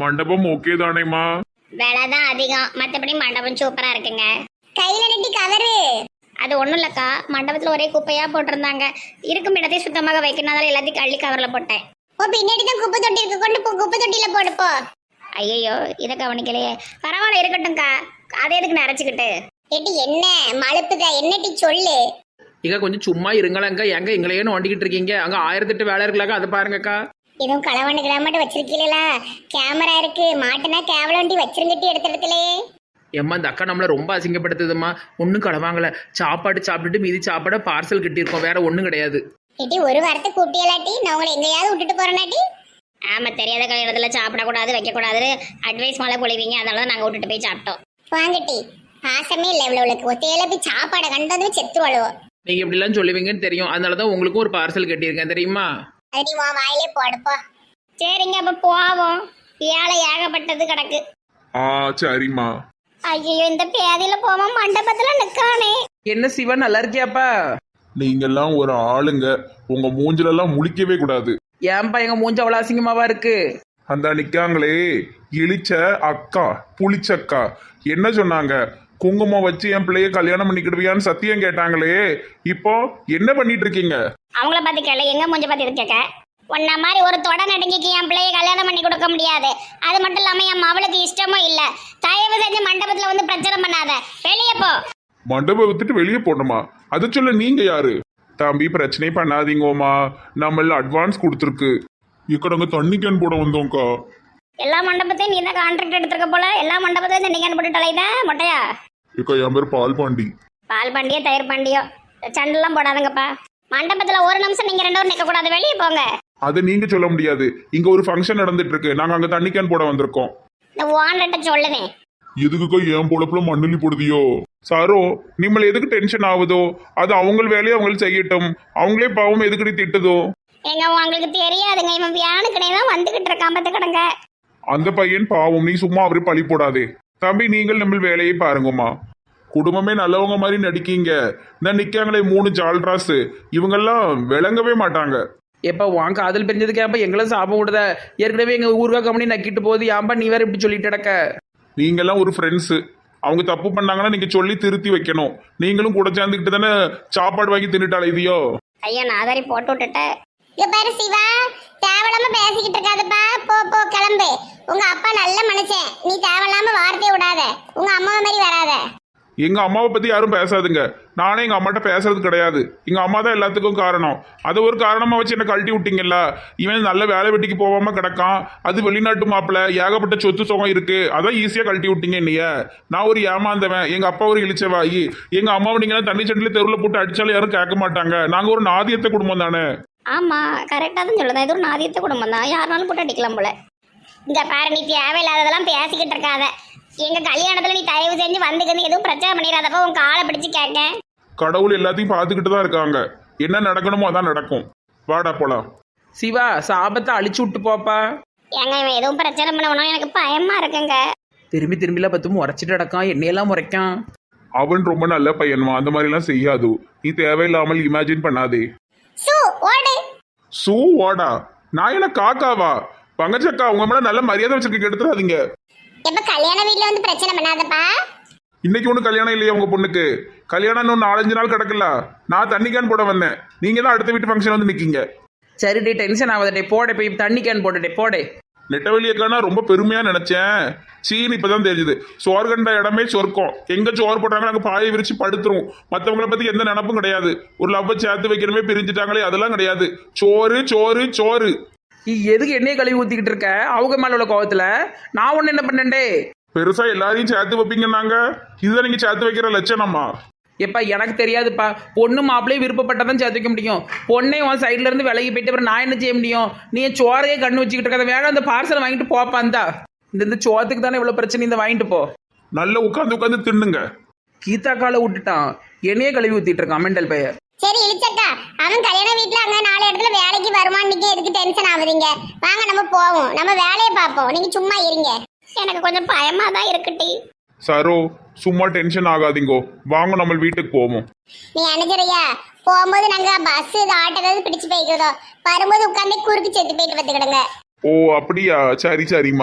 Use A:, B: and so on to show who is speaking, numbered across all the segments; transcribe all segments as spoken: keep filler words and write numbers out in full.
A: மண்டபம் ஓகே தானேம்மா?
B: விலை தான் அதிகம், மற்றபடி மண்டபம் சூப்பரா இருக்குங்க. கையில நட்டி கவரு அது ஒண்ணும் இல்லக்கா, மண்டபத்துல ஒரே குப்பையா போட்டிருந்தாங்க. இருக்கும் இடத்தை சுத்தமாக வைக்கணும், அதனால எல்லாத்தையும் கள்ளி கவர்ல போட்டேன். ஓ, பின்னாடி தான் குப்பை தொட்டி இருக்கு, கொண்டு போ, குப்பை தொட்டியில போடுப்போ. ஐயோ, இதை கவனிக்கலையே. பரவாயில்ல, இருக்கட்டும்க்கா. அதை எதுக்கு நினைச்சுக்கிட்டு ஏட்டி என்ன மழுப்புக, என்னட்டி சொல்லு.
C: இங்க கொஞ்சம் சும்மா இருங்களேங்க. எங்க எங்களையே நோண்டிக்கிட்டு இருக்கீங்க? அங்க ஆயிரத்தெட்டு வேலை இருக்கலாக்கா, அதை பாருங்கக்கா.
B: இதுவும் களவாண்டு கிளம்பட்டு வச்சிருக்கீங்களா? கேமரா இருக்கு, மாட்டுனா கேவல வண்டி வச்சிருங்கட்டி எடுத்த இடத்துலயே.
C: ஏம்மா, இந்த அக்கா நம்மளை ரொம்ப அசிங்கப்படுத்துதும்மா. ஒன்றும் களவாங்கல, சாப்பாடு சாப்பிட்டுட்டு மீதி சாப்பாடை பார்சல் கட்டியிருக்கோம், வேற ஒன்றும் கிடையாது.
B: ஏட்டி ஒரு வாரத்தை கூப்பிட்டியலாட்டி, நான் உங்களை எங்கேயாவது விட்டுட்டு போறேனாட்டி? ஆமா, தெரியாத கல்யாணத்துல சாப்பிடக்கூடாது, வைக்கக்கூடாது அட்வைஸ் மேலே பொழிவீங்க, அதனால தான் நாங்கள் விட்டுட்டு போய் சாப்பிட்டோம். வாங்கட்டி, பாசமே இல்லை இவ்வளவுக்கு. ஒத்தையில போய் சாப்பாடை கண்டு வந்து செத்து வழுவோம்.
C: நீங்க இப்படிலாம் சொல்லுவீங்கன்னு தெரியும், அதனால தான் உங்களுக்கும் ஒரு பார்சல் கட்டியிருக்கேன் தெரியுமா?
B: அது நீ உன் வாயிலே போடுப்போ. சரிங்க, அப்ப போவோம். ஏழை ஏகப்பட்டது கிடக்கு.
A: ஆ சரிம்மா.
B: ஐயோ, இந்த பேதியில போவோம், மண்டபத்துல நிக்கானே.
C: என்ன சிவா, நல்லா இருக்கியாப்பா?
A: நீங்கெல்லாம் ஒரு ஆளுங்க, உங்க மூஞ்சில எல்லாம் முழிக்கவே கூடாது.
C: ஏன்பா எங்க மூஞ்ச அவ்வளோ அசிங்கமாவா இருக்கு?
A: அந்த நிக்காங்களே இழிச்ச அக்கா புளிச்சக்கா என்ன சொன்னாங்க? குங்குமம் வச்சு என் பிள்ளைய கல்யாணம் பண்ணிக்கிடுவியான்னு சத்தியம் கேட்டாங்களே, இப்போ என்ன பண்ணிட்டு இருக்கீங்க?
B: அவங்கள பார்த்து கேளு, எங்க மூஞ்ச பார்த்து இது கேட்க? உன்ன மாதிரி ஒரு தொட நடுங்கிக்கு என் பிள்ளைய கல்யாணம் பண்ணி கொடுக்க முடியாது. அது மட்டும் இல்லாம என் அவளுக்கு இஷ்டமும் இல்ல. தயவு செஞ்சு மண்டபத்துல வந்து பிரச்சனை பண்ணாத, வெளியே போ.
A: மண்டபம் வித்துட்டு வெளியே போடணுமா? அதை சொல்ல நீங்க யாரு? தம்பி, பிரச்சனை பண்ணாதீங்கோமா, நம்மள அட்வான்ஸ் கொடுத்துருக்கு. இக்கடங்க தண்ணி கேன் போட வந்தோம்க்கா.
B: எல்லா மண்டபத்தையும் நீ தான் கான்ட்ராக்ட் எடுத்துருக்க போல. எல்லா மண்டபத்தையும் தண்ணி கேன் போட்டு தொலைதான் மொட்டையா.
A: இக்கா, என் பேர் பால் பாண்டி.
B: பால் பாண்டியோ தயிர் பாண்டியோ சண்டெல்லாம் போடாதுங்கப்பா. மண்டபத்துல ஒரு நிமிஷம் நீங்க ரெண்டு பேரும் நிக்க கூடாது, வெளியே போங்க.
A: அதை நீங்க சொல்ல முடியாது. இங்க ஒரு ஃபங்க்ஷன் நடந்துட்டு இருக்கு, நாங்க அங்க தண்ணி கேன் போட வந்திருக்கோம்.
B: இந்த ஓனர்கிட்ட சொல்லுவேன்.
A: எதுக்குக்கா என் பொழப்புல மண்ணலி போடுதியோ? சாரோ, நிம்மள எதுக்கு டென்ஷன் ஆகுதோ? அது அவங்க வேலையை அவங்க செய்யட்டும். அவங்களே பாவம் எதுக்கடி திட்டுதோ?
B: எங்க உங்களுக்கு தெரியாதுங்க, இவன் வியானுக்கனே தான் வந்துகிட்டு இருக்கான் பத்து கிடங்க.
A: அந்த பையன் பாவம், நீ சும்மா அவரு பழி போடாதே. தம்பி, நீங்கள் நம்ம வேலையை பாருங்கம்மா. குடும்பமே நல்லவங்க மாதிரி நடிக்கீங்க. இந்த நிக்காங்களே மூணு ஜால்ராஸ், இவங்கெல்லாம் விளங்கவே மாட்டாங்க.
C: எப்போ வாங்க காதல் பிரிஞ்சதுக்கு ஏன்பா எங்களை சாபம் விடுத? ஏற்கனவே எங்க ஊருக்கா கம்பெனி நக்கிட்டு போகுது, ஏன்பா நீ வேற இப்படி சொல்லிட்டு கிடக்க?
A: நீங்கெல்லாம் ஒரு ஃப்ரெண்ட்ஸு, அவங்க தப்பு பண்ணாங்கன்னா நீங்க சொல்லி திருத்தி வைக்கணும். நீங்களும் கூட சேர்ந்துக்கிட்டு தானே சாப்பாடு வாங்கி தின்னுட்டாள் இதையோ.
B: ஐயா, நான் அதரி போட்டு விட்டுட்டேன். இங்க பாரு சிவா, தேவையில்லாம பேசிக்கிட்டு இருக்காதப்பா. போ போ, கிளம்பு. உங்க அப்பா நல்ல மனுஷன், நீ தேவையில்லாம வார்த்தையை விடாத. உங்க அம்மாவை மாதிரி வராத.
A: எங்க அம்மாவை பத்தி யாரும் பேசாதுங்க. நானே எங்க அம்மாட்ட பேசுறது கிடையாது. எங்க அம்மா தான் எல்லாத்துக்கும் காரணம். அதை ஒரு காரணமா வச்சு என்ன கழட்டி விட்டீங்கல்ல. இவன் நல்ல வேலை வெட்டிக்கு போகாம கிடக்கான், அது வெளிநாட்டு மாப்பிள்ள, ஏகப்பட்ட சொத்து சுகம் இருக்கு, அதான் ஈஸியா கழட்டி விட்டீங்க என்னைய. நான் ஒரு ஏமாந்தவன், எங்க அப்பா ஒரு இழிச்சவாயி. எங்க அம்மாவை நீங்க தண்ணி சண்டில தெருவில் போட்டு அடிச்சாலும் யாரும் கேட்க மாட்டாங்க. நாங்க ஒரு நாதியத்தை குடும்பம் தானே.
B: ஆமா, கரெக்டா தான் சொல்லுதான். இது ஒரு நாதியத்தை குடும்பம் தான், யாருனாலும் போட்டு அடிக்கலாம் போல. இங்க பாரு, நீ தேவையில்லாததெல்லாம் பேசிக்கிட்டு இருக்காத. எங்க கல்யாணத்துல நீ தயவு செஞ்சு வந்துக்கிட்டு எதுவும் பிரச்சனை பண்ணிடாதப்ப உன் காலை பிடிச்சு கேட்க.
A: கடவுள் எல்லாத்தையும் பார்த்துக்கிட்டு தான் இருக்காங்க. என்ன நடக்கணுமோ அதான் நடக்கும். வாடா போலாம்.
C: சிவா, சாபத்தை அழிச்சு விட்டு போப்பா.
B: ஏங்க, இவன் எதுவும் பிரச்சனை பண்ணணும், எனக்கு பயமா இருக்குங்க.
C: திரும்பி திரும்பிலாம் பத்தும் முறைச்சிட்டு நடக்கான், என்னையெல்லாம் முறைக்கான்.
A: அவன் ரொம்ப நல்ல பையன்மா, அந்த மாதிரி எல்லாம் செய்யாது. நீ தேவையில்லாமல் இமேஜின் பண்ணாதே.
B: சூ ஓடு.
A: சூ வாடா? நான் என்ன காக்காவா? பங்கச்சக்கா, உங்க மேல நல்ல மரியாதை வச்சிருக்க, எடுத்துடாதீங்க.
B: எப்ப கல்யாண வீட்டுல வந்து பிரச்சனை பண்ணாதப்பா.
A: இன்னைக்கு ஒன்றும் கல்யாணம் இல்லையா உங்க பொண்ணுக்கு? கல்யாணம் இன்னும் நாலஞ்சு நாள் கிடக்கல. நான் தண்ணி கேன் போட வந்தேன், நீங்க தான் அடுத்த வீட்டு ஃபங்க்ஷன் வந்து நிக்கீங்க.
C: சரி டே, டென்ஷன் ஆகாதே, போடே போய் தண்ணி கேன் போட்டுட்டே போடே.
A: நெட்டவெளியக்கானா ரொம்ப பெருமையா நினைச்சேன். சீன் இப்பதான் தெரிஞ்சுது. சோறு கண்ட இடமே சொர்க்கம். எங்க சோறு போட்டாங்க நாங்க பாயை விரிச்சு படுத்துருவோம். மற்றவங்களை பத்தி எந்த நினப்பும் கிடையாது. ஒரு லவ்வை சேர்த்து வைக்கணுமே, பிரிஞ்சுட்டாங்களே, அதெல்லாம் கிடையாது. சோறு சோறு சோறு.
C: நீ எதுக்கு என்னையே கழுவி ஊத்திக்கிட்டு இருக்க? அவங்க மேல உள்ள கோவத்துல நான் ஒண்ணு என்ன பண்ணேன்டே?
A: பெருசா எல்லாரையும் சேர்த்து வைப்பீங்கன்னாங்க, இதுதான் நீங்க சேர்த்து வைக்கிற லட்சணமா?
C: எப்பா, எனக்கு தெரியாதுப்பா. பொண்ணு மாப்பிள்ளையே விருப்பப்பட்டதான் சேர்த்து வைக்க முடியும். பொண்ணே உன் சைட்ல இருந்து விலகி போயிட்டு அப்புறம் நான் என்ன செய்ய முடியும்? நீ சோறையே கண்ணு வச்சுக்கிட்டு இருக்காத. வேற அந்த பார்சல் வாங்கிட்டு போப்பா. இந்தா, இந்த இந்த சோத்துக்கு தானே இவ்வளவு பிரச்சனை, இந்த வாங்கிட்டு போ.
A: நல்லா உட்காந்து உட்காந்து தின்னுங்க.
C: கீதா காலை விட்டுட்டான், என்னையே கழுவி ஊத்திட்டு இருக்கான் மெண்டல் பையன்.
B: சரி இழிச்சக்கா, அவன் கல்யாண வீட்டுல அங்க நாலு இடத்துல வேலைக்கு வருவான். நீங்க எதுக்கு டென்ஷன் ஆகுறீங்க? வாங்க நம்ம போவோம், நம்ம வேலையை பார்ப்போம். நீங்க சும்மா இருங்க. எனக்கு கொஞ்சம் பயமா தான் இருக்குட்டி.
A: சரோ, சும்மா டென்ஷன் ஆகாதீங்கோ, வாங்க நம்ம வீட்டுக்கு போவோம்.
B: நீ அனுஜரையா போகும்போது நாங்க பஸ் ஆட்டோ ஏதாவது பிடிச்சு போய்க்கிறோம், வரும்போது உட்காந்து குறுக்கு செத்து போயிட்டு வந்துக்கிடுங்க.
A: ஓ அப்படியா? சரி சரிம்மா.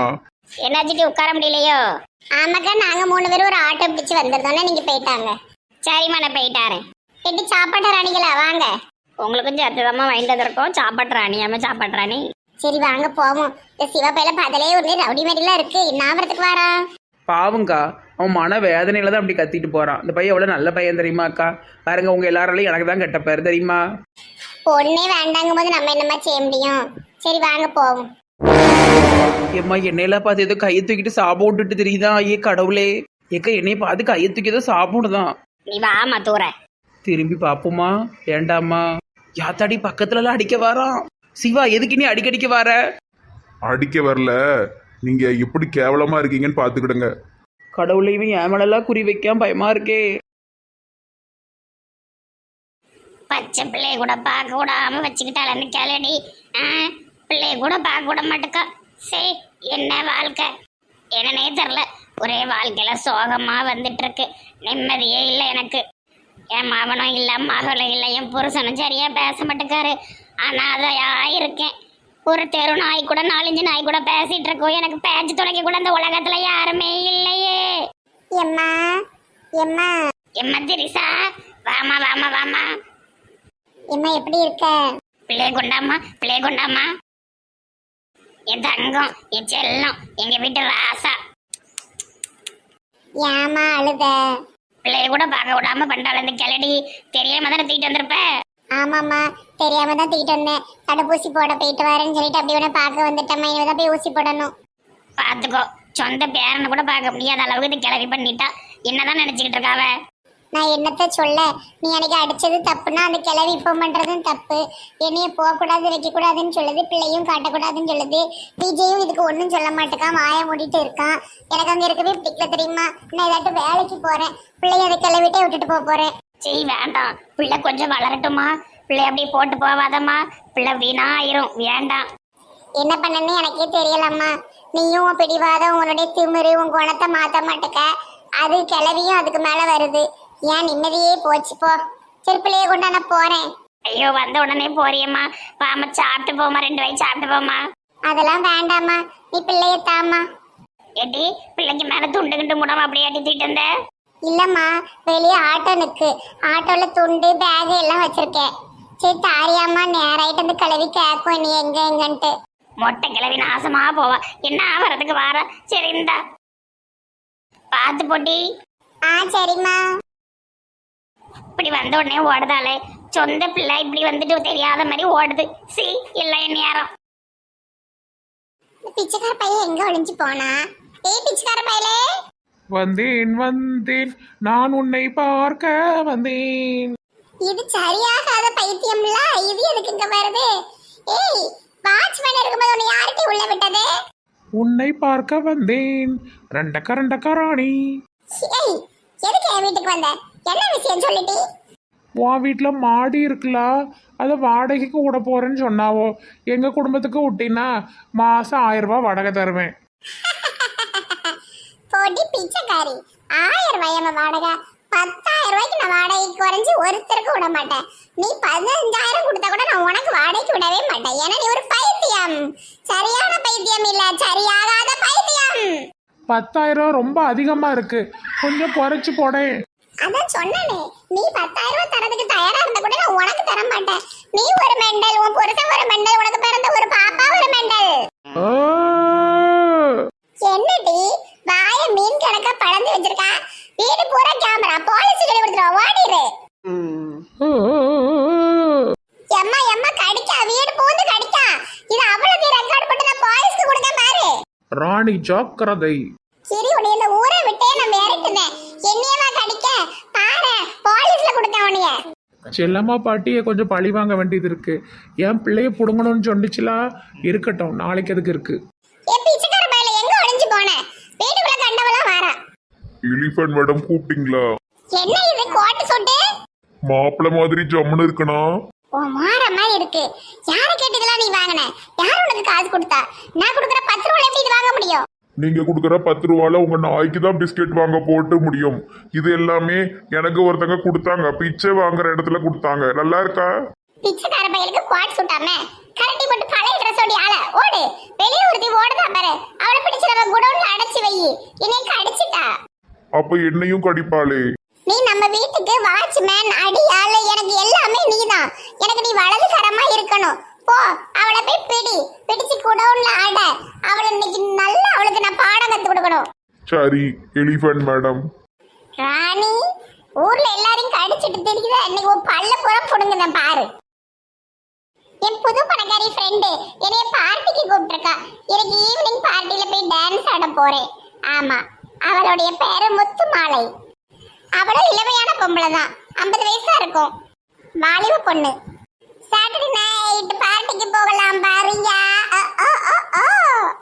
B: என்னாச்சுட்டு உட்கார முடியலையோ? ஆமாக்கா, நாங்க மூணு பேரும் ஒரு ஆட்டோ பிடிச்சு வந்திருந்தோம்னா நீங்க போயிட்டாங்க. சரிம்மா, நான் போயிட்டாரேன். எட்டி சாப்பாட்டு ராணிகளா வாங்க. உங்களுக்கும் சேர்த்துதாம்மா வாங்கிட்டு வந்திருக்கோம். சாப்பாட்டு ராணி ஆமா சாப்பாட்டு ராணி. சரி வாங்க போவோம். இந்த சிவப்பையில பதிலே ஒரு ரவுடி மாதிரிலாம் இருக்கு. நாவரத்துக்கு வாரா?
C: பாவங்கா, அவன் மன வேதனையில தான் அப்படி கத்திட்டு போறான். இந்த பையன் எவ்வளவு நல்ல பையன் தெரியுமா அக்கா? பாருங்க, உங்க எல்லாராலையும் எனக்கு தான் கெட்ட பேர் தெரியுமா?
B: பொண்ணே வேண்டாங்கும் போது நம்ம என்னமா செய்ய முடியும்? சரி வாங்க போவோம்.
C: ஏம்மா, என்னையெல்லாம் பார்த்து ஏதோ கையை தூக்கிட்டு சாபம் விட்டுட்டு தெரியுதா? ஐயே கடவுளே, ஏக்க என்னைய பார்த்து கையை தூக்கி ஏதோ சாப்பிட்டு தான்.
B: நீ வாமா தூர.
C: திரும்பி பாப்போமா வேண்டாமா? யாத்தாடி பக்கத்துல எல்லாம் அடிக்க வாரான். சிவா, எதுக்கு நீ அடிக்கடிக்க வர?
A: அடிக்க வரல, நீங்க எப்படி கேவலமா இருக்கீங்கன்னு பாத்துக்கிடுங்க.
C: கடவுளை, இவன் என் மேலெல்லாம் குறி வைக்காம பயமா இருக்கே.
B: பச்சை பிள்ளைய கூட பார்க்க விடாம வச்சுக்கிட்டாளன்னு கேளடி. ஆ, பிள்ளைய கூட பார்க்க விட மாட்டேக்கா. சரி, என்ன வாழ்க்கை என்னன்னே தெரில. ஒரே வாழ்க்கையில சோகமா வந்துட்டு இருக்கு. நிம்மதியே இல்லை எனக்கு. என் மாவனும் இல்லை, மகளும் இல்லை, என் புருஷனும் சரியா பேச மாட்டேக்காரு. அனாதையா இருக்கேன். ஒரு தெரு நாய் கூட நாலஞ்சு நாய் கூட பேசிட்டு இருக்கோம். எனக்கு பேச்சு துணைக்க கூட இந்த உலகத்துல யாருமே இல்லையே. எம்மா எம்மா எம்மா திரிசா, வாமா வாமா வாமா. எம்மா எப்படி இருக்க? பிள்ளைய கொண்டாமா, பிள்ளைய கொண்டாமா. என் தங்கம், என் செல்லம், எங்க வீட்டு ராசா. ஏமா அழுத? பிள்ளைய கூட பார்க்க விடாம பண்றாள் இந்த கிளடி. தெரியாம தானே தூக்கிட்டு வந்திருப்ப? ஆமாம்மா, தெரியாம தான் தூக்கிட்டு வந்தேன். தடுப்பூசி போட போயிட்டு வரேன்னு சொல்லிட்டு அப்படி உடனே பார்க்க வந்துட்டேம்மா. இனிமே தான் போய் ஊசி போடணும். பார்த்துக்கோ, சொந்த பேரனை கூட பார்க்க முடியாத அளவுக்கு இது கிளவி பண்ணிட்டா. என்னதான் நினைச்சுக்கிட்டு இருக்காவ? நான் என்னத்த சொல்ல, நீ எனக்கு அடிச்சது தப்புன்னா அந்த கிளவி இப்போ பண்றதும் தப்பு. என்னைய போகக்கூடாது வைக்கக்கூடாதுன்னு சொல்லுது, பிள்ளையும் காட்டக்கூடாதுன்னு சொல்லுது. விஜயும் இதுக்கு ஒன்றும் சொல்ல மாட்டேக்கான், வாயை மூடிட்டு இருக்கான். எனக்கு அங்கே இருக்கவே பிடிக்கல தெரியுமா? நான் ஏதாட்டும் வேலைக்கு போறேன், பிள்ளைய அதை கிளவிட்டே விட்டுட்டு போக போறேன். சரி வேண்டாம், பிள்ளை கொஞ்சம் வளரட்டுமா. பிள்ளை அப்படி போட்டு போவாதம்மா, பிள்ளை வீணா ஆயிரும். வேண்டாம். என்ன பண்ணன்னு எனக்கே தெரியலம்மா. நீயும் உன் பிடிவாதம், உன்னுடைய திமிரு, உன் குணத்தை மாற்ற மாட்டேக்க. அது கிளவியும் அதுக்கு மேலே வருது. ஏன் நிம்மதியே போச்சு போ. சரி, பிள்ளைய கொண்டா நான் போறேன். ஐயோ, வந்த உடனே போறியம்மா. வாமா, சாப்பிட்டு போமா, ரெண்டு வயசு சாப்பிட்டு போமா. அதெல்லாம் வேண்டாம்மா, நீ பிள்ளைய தாம்மா. ஏட்டி, பிள்ளைக்கு மேலே துண்டு கிண்டு முடாம அப்படியே அடித்துட்டு இருந்த? இல்லம்மா, வெளியே ஆட்டோ நிற்கு. ஆட்டோல துண்டு பேகு எல்லாம் வச்சிருக்கேன். சரி தாரியாம்மா, நேராயிட்டு வந்து கிளவி கேட்கும் நீ எங்க எங்கன்ட்டு. மொட்டை கிளவி நாசமா போவா. என்ன வரதுக்கு வார. சரி இந்தா பார்த்து போட்டி. ஆ சரிம்மா. இப்படி வந்த உடனே ஓடுதாலே, சொந்த பிள்ளை இப்படி வந்துட்டு தெரியாத மாதிரி ஓடுது. சி இல்லை என் நேரம். பிச்சைக்கார பையன் எங்க ஒளிஞ்சு போனா? ஏய் பிச்சைக்கார பையலே.
A: வந்தேன் வந்தேன், நான் உன்னை பார்க்க வந்தேன்.
B: இது சரியாகாத பைத்தியம்ல. இது எதுக்கு இங்க வருது? ஏய், வாட்ச்மேன் இருக்கும்போது உன்னை யார்கிட்ட உள்ள விட்டது?
A: உன்னை பார்க்க வந்தேன், ரெண்டக்க ரெண்டக்க ராணி.
B: ஏய், எதுக்கு என் வீட்டுக்கு வந்த? என்ன விஷயம் சொல்லிட்டி?
A: உன் வீட்டில் மாடி இருக்குல்ல, அதை வாடகைக்கு விட போறேன்னு சொன்னாவோ. எங்க குடும்பத்துக்கு விட்டினா மாசம் ஆயிரம் ரூபாய் வாடகை தருவேன்.
B: போட்டி பிச்சைக்காரி, ஆயிரம் ரூபாய் வாடகை? பத்தாயிரம் ரூபாய்க்கு நான் வாடகைக்கு குறைஞ்சி ஒருத்தருக்கு விட மாட்டேன். நீ பதினஞ்சாயிரம் கொடுத்தா கூட நான் உனக்கு வாடகைக்கு விடவே மாட்டேன். ஏன்னா நீ ஒரு பைத்தியம். சரியான பைத்தியம் இல்ல, சரியாகாத பைத்தியம்.
A: பத்தாயிரம் ரொம்ப அதிகமா இருக்கு, கொஞ்சம் குறைச்சு போடேன்.
B: அதான் சொன்னனே, நீ பத்தாயிரம் ரூபாய் தரதுக்கு தயாரா இருந்தா கூட நான் உனக்கு தர மாட்டேன். நீ ஒரு மெண்டல், உன் புருஷன் ஒரு மெண்டல், உனக்கு பிறந்த ஒரு பாப்பா ஒரு மெண்டல். என்னடி வாய மீன் கணக்கா பழந்து வச்சிருக்கா? வீடு பூரா கேமரா, போலீஸ் கிட்ட கொடுத்துருவா, ஓடிரு. எம்மா எம்மா கடிக்கா, வீடு பூந்து கடிக்கா. இது அவ்வளவு ரெக்கார்ட் பண்ணி நான் போலீஸ்க்கு கொடுக்க பாரு.
A: ராணி ஜாக்கிரதை.
B: சரி, உன்னை இந்த ஊரை விட்டே நான் மிரட்டுனேன். என்னையவா கடிக்க பாரு, போலீஸ்ல கொடுக்க உன்னைய.
A: செல்லம்மா பாட்டியை கொஞ்சம் பழி வாங்க வேண்டியது இருக்கு. என் பிள்ளைய புடுங்கணும்னு சொன்னிச்சுலா, இருக்கட்டும், நாளைக்கு அதுக்கு இருக்கு.
B: ஏ பிச்சைக்கார பையல, எங்க ஒளிஞ்சு போன? வீட்டுக்குள்ள கண்டவளா வாரா.
A: எலிஃபண்ட் மேடம் கூப்பிட்டீங்களா?
B: என்ன இது கோட்டு சொட்டு?
A: மாப்பிள்ளை மாதிரி ஜம்முன்னு இருக்கணும்.
B: ஓ மாற மாதிரி இருக்கு. யாரை கேட்டதெல்லாம் நீ வாங்கின? யார் உனக்கு காசு கொடுத்தா? நான் கொடுக்குற பத்து ரூபாய் எப்படி இது வாங்க முடியும்?
A: நீங்க கொடுக்குற பத்து ரூபால உங்க நாய்க்கு தான் பிஸ்கெட் வாங்க போட்டு முடியும். இது எல்லாமே எனக்கு ஒருத்தங்க கொடுத்தாங்க, பிச்சை வாங்குற இடத்துல கொடுத்தாங்க. நல்லா இருக்கா?
B: பிச்சைக்கார பையலுக்கு கோட் சுட்டாம கரண்டி போட்டு பழைய ட்ரெஸ் ஓடி ஆள ஓடு. வெளியே ஒருத்தி ஓடுதா பாரு, அவளை பிடிச்சு நம்ம குடோன் என்னை கடிச்சிட்டா.
D: அப்ப என்னையும் கடிப்பாளே.
B: நீ நம்ம வீட்டுக்கு வாட்ச்மேன், அடியாளு, எனக்கு எல்லாமே நீதான். எனக்கு நீ வலது கரமா இருக்கணும். போ, அவளை போய் பிடி, பிடிச்சு குடவுன்ல ஆட. அவளை இன்னைக்கு நல்லா அவளுக்கு நான் பாடம் கத்து கொடுக்கணும்.
D: சரி எலிஃபண்ட் மேடம்.
B: ராணி, ஊர்ல எல்லாரையும் கடிச்சிட்டு தெரியுதா? இன்னைக்கு ஒரு பல்ல புறம் புடுங்குதான் பாரு. என் புது பணக்காரி ஃப்ரெண்டு என்னைய பார்ட்டிக்கு கூப்பிட்டுருக்கா. எனக்கு ஈவினிங் பார்ட்டியில போய் டான்ஸ் ஆட போறேன். ஆமா, அவளுடைய பேரு முத்து மாலை. அவளும் இளமையான பொம்பளை தான், ஐம்பது வயசா இருக்கும், வாலிப பொண்ணு. சாட்டர்டே நைட் பார்ட்டிக்கு போகலாம் பாரியா.